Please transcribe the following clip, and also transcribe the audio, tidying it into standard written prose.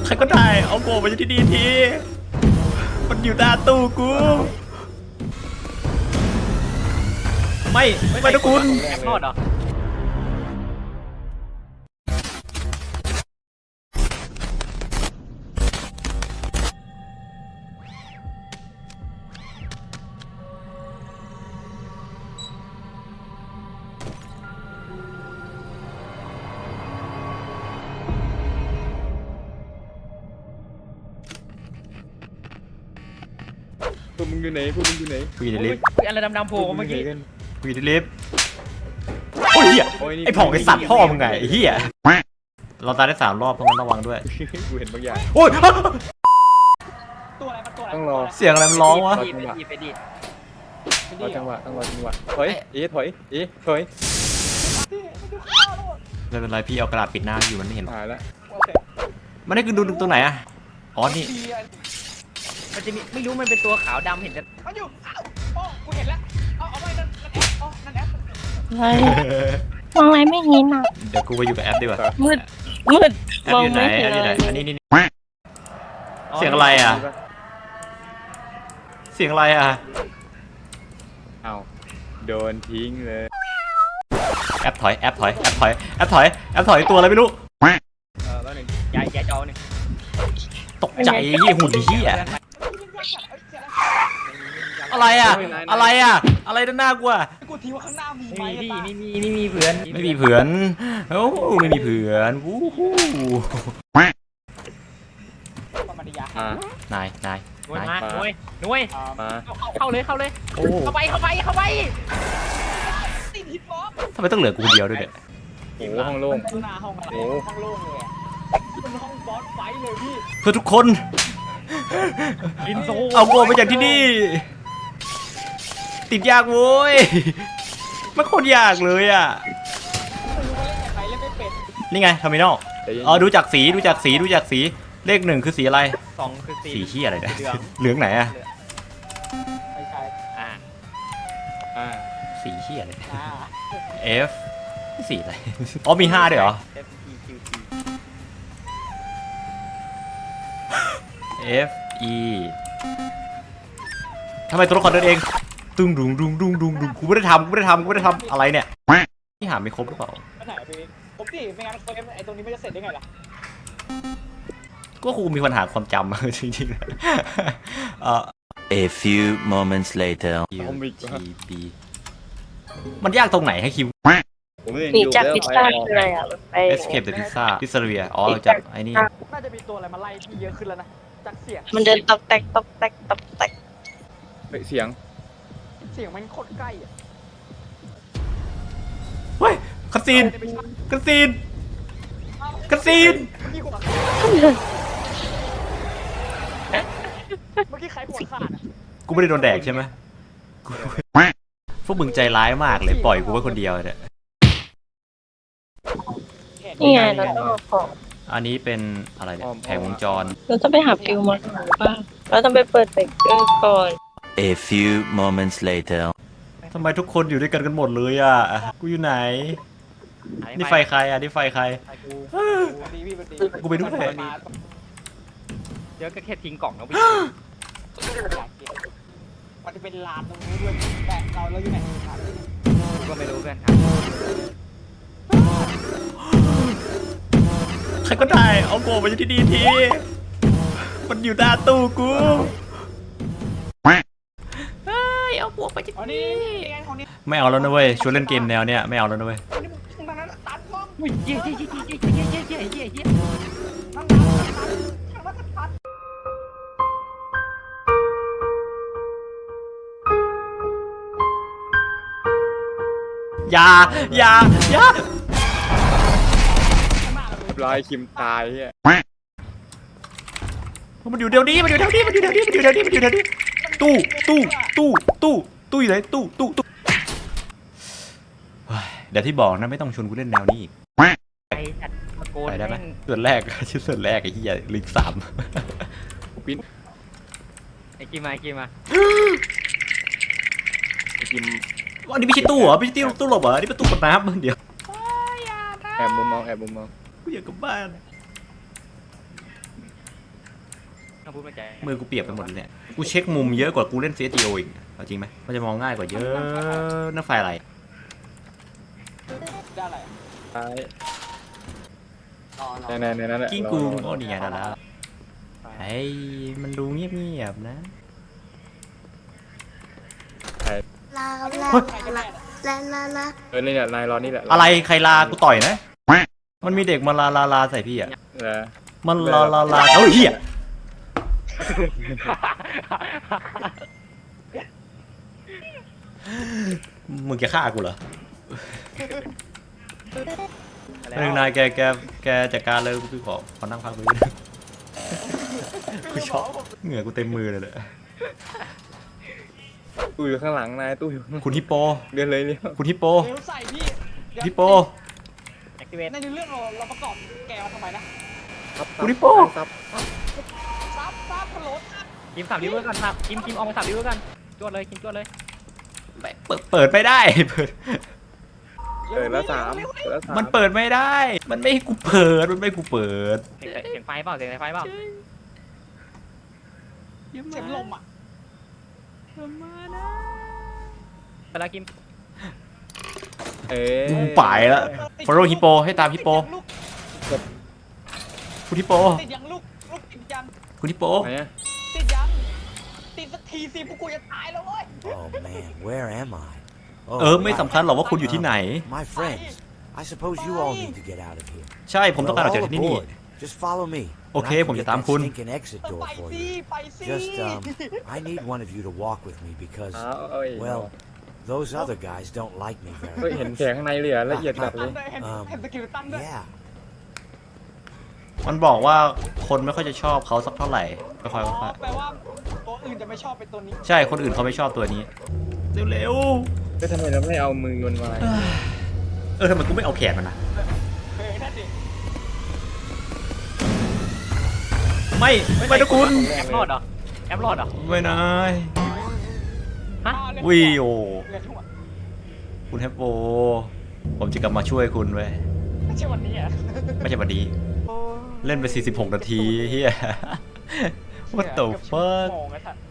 รก็ได้เอาโกมาที่ดีทีมันอยู่หน้าตู้กูไม่นะคุณแอบรอดเหรอพวกมึงอยู่ไหนพวกมึงอยู่ไหนกูอยู่ในลิฟต์อะไรดำๆโผล่เมื่อกี้กูอยู่ในลิฟต์โอ้ยเหี้ยไอ้ผ่องไอ้สัตว์พ่อมึงไงไอ้เหี้ยเราตายได้3 รอบเพราะงั้นระวังด้วยกูเห็นบางอย่างโอ้ยตัวอะไรมันตัวอะไรต้องรอเสียงอะไรมันร้องวะไปดิรอจังหวะต้องรอจังหวะถอยถอยถอยไม่เป็นไรพี่เอากระดาษปิดหน้าอยู่มันไม่เห็นหายแล้วโอเคมันได้คือดูตรงไหนอะอ๋อนี่มันจะมีไม่รู้มันเป็นตัวขาวดำเห็นแต่มันอยู่โอ้กูเห็นแล้วเอาไปนั่นแอปอ๋อนั่นแอปมองอะไรไม่เห็นอ่ะเดี๋ยวกูไปอยู่กับแอปดีกว่ามืดแอปมองอยู่ไหนไม่เห็แอน ปอยู่อะไหนไรอันนี้นี่เสียงอะไรอะเสียงอะไรอะเอาโดนทิ้งเลยแอปถอยแอปถอยแอปถอยแอปถอยแอปถอยตัวอะไรไม่รู้แล้วหนึ่งยายจอหนึ่งตกใจเหี้ยหุ่นเหี้ยอะไรอะอะไรอะอะไรด้านหน้ากูอะกูทีว่าข้างหน้ามีไหมไม่มีเพื่อนไม่มีเผื่อนโอ้ไม่มีเผื่อนวู้ฮู้ธรรมดาอ่านายหน่วยมาหน่วยมาเข้าเลยโอ้เข้าไปติดฮิตบอสทำไมต้องเหลือกูคนเดียวด้วยเนี่ยโอ้ห้องโล่งหน้าห้องอะไรห้องโล่งเลยมันห้องบอสไฟเลยพี่เพื่อทุกคนอินโซเอาโกมาจากที่นี่ ติดยากโว้ยมันโคตรยากเลยอ่ะใครเล่นไม่เป็นนี่ไงทอร์มินอลแต่ยังอ๋อดูจากสีเลข 1คือสีอะไร 2คือ4 สีเหี้ยอะไรเนี่ยเหลืองเหลืองไหนอะไม่ใช่อ่าสีเหี้ยอะไร F สีอะไรอ๋อมี5ด้วยเหรอ F E Q T F E ทำไมตัวละครเดินเองตึงดุงกูไม่ได้ทำอะไรเนี่ยนี่หาไม่ครบหรือเปล่าไปไหนพี่ผมดิไม่งั้นไอ้ตรงนี้ไม่จะเสร็จได้ไงล่ะก็ครูมีปัญหาความจำ จริงๆ A few moments later. U T B มันยากตรงไหนให้คิวผมเองหนีอยู่จากแล้วพิซซ่าคืออะไรอ่ะมันไป Escape the Pizza Pizzeria อ๋อจากไอ้นี่น่าจะมีตัวอะไรมาไล่พี่เยอะขึ้นแล้วนะจากเสียงมันเดินตอกแตกเสียงเสียงมันโคตรใกล้อ่ะเฮ้ยคาซีนพี่หัวเมื่อกี้ใครหัวขาดอ่ะกูไม่ได้โดนแดกใช่ไหมกูพวกมึงใจร้ายมากเลยปล่อยกูไว้คนเดียวเนี่ยนี่ไงเราต้องเอาของอันนี้เป็นอะไรเนี่ยแผงวงจรเราต้องไปหาฟิวมาก่อนป่ะเราต้องไปเปิดเบรกเกอร์ก่อน A few moments later. ทำไมทุกคนอยู่ด้วยกันหมดเลยอ่ะกูอยู่ไหนนี่ไฟใครอ่ะนี่ไฟใครดีพี่ดีกูไปด้วยเดี๋ยวก็แค่ทิ้งกล่องแล้วพี่มันจะเป็นลานตรงนี้ด้วยแต่เราอยู่ไหนก็ไม่รู้เพื่อนครับใครก็ได้เอาโกมาที่นี่ทีมันอยู่หน้าตู้กูเฮ้ยเอาพวกไปที่อ๋อนี่ของนี้ไม่เอาแล้วนะเว้ยชวนเล่นเกมแนวเนี้ยไม่เอาแล้วนะเว้ยตรงนั้นตัดกล้องเย้นั่งตัดอย่าลายคิมตายเฮียมันอยู่เดี๋ยวนี้ตู้อยู่ไหนตู้เฮ้ยเดี๋ยวที่บอกนะไม่ต้องชวนกูเล่นแนวนี้อีกไอ้จัดตะโกนไปได้ไหมส่วนแรกชื่อส่วนแรกไอ้เหี้ยลิง3 ปิ้นไอ้กิมมาไอ้กิมอันนี้ไม่ใช่ตู้เหรอไม่ใช่ตู้หลบเหรออันนี้เป็นตู้กดน้ำเดี๋ยวแอบมุมมองกูอยากกลับบ้านถ้าพูดไม่ใจมือกูเปียกไปหมดเลยเนี่ยกูเช็คมุมเยอะกว่ากูเล่น CSGO อีกเอาจริงไหมมันจะมองง่ายกว่าเยอะนั่นไฟอะไรได้อะไรซ้ายในนั้นแหละกิ้งกูโอ้นี่ไงได้แล้วไอ้มันดูเงียบๆนะลาลาลาลาลาลานี่แหละนายรอนี่แหละอะไรใครลากูต่อยนะมันมีเด็กมาลาใส่พี่อ่ะเหรอมันลาเอ้ยเหี้ยมึงจะฆ่ากูเหรอเรื่องนายแกจัดการเลยกูขอนั่งพักไปด้วยกูชอบเหงื่อกูเต็มมือเลยตู้อยู่ข้างหลังนายตู้อยู่คุณฮิปโปเดินเลยเร็วคุณฮิปโปเร็วใส่พี่ฮิปโปแอคทีเวตในเรื่องเราประกอบแกมาทำไมนะคุณฮิปโปซับซับพะโล้กิม3 ริเวอร์กันครับกิมออกมา3 ริเวอร์กันจวดเลยกิมจวดเลยเปิดไม่ได้เปิดแล้วสามมันเปิดไม่ได้ มันไม่ให้กูเปิด มันไม่ให้กูเปิดเสียงไฟเปล่าเสียงไฟเปล่าเสียงลมอ่ะไปละกิมกูไปแล้ว follow ฮิปโปให้ตามฮิปโป คุณฮิปโปติดยังลูกติดยังคุณฮิปโปไหนอะติดยังติดสักทีสิพวกกูจะตายแล้วเว้ย Oh man, where am I? ไม่สำคัญหรอกว่าคุณอยู่ที่ไหน My friends, I suppose you all need to get out of here. ใช่ผมต้องการออกจาก Well, ที่นี่ all aboard. Just follow me. and I Okay, can ผมจะ get ตาม that คุณ stinking exit door ไป for สิ you. ไปสิ Just I need one of you to walk with me because เอ้ย well, those other guys don't like me เฮ้ย very เห็น much. แสงข้างในเลยอะละเอียดจัดเลยเห็นสกิลตั้งด้วย Yeah. มันบอกว่าคนไม่ค่อยจะชอบเขาสักเท่าไหร่ค่อยแปลว่าตัวอื่นจะไม่ชอบเป็นตัวนี้ๆใช่ คนอื่นเขาไม่ชอบตัวนี้ เร็วก็ทำไมเราไม่เอามือมันมาๆทำไมกูไม่เอาแขนมันนะนั่นดิไม่นะคุณแอปรอดเหรอแอปรอดเหรอไม่นายฮะวิโอเล่นทั่วคุณแฮปโป ผมจะกลับมาช่วยคุณเว้ยไม่ใช่วันนี้อ่ะไม่ใช่วันนี้ เล่นไป46 นาทีเฮีย What the fuck โมงไอ้สัตว์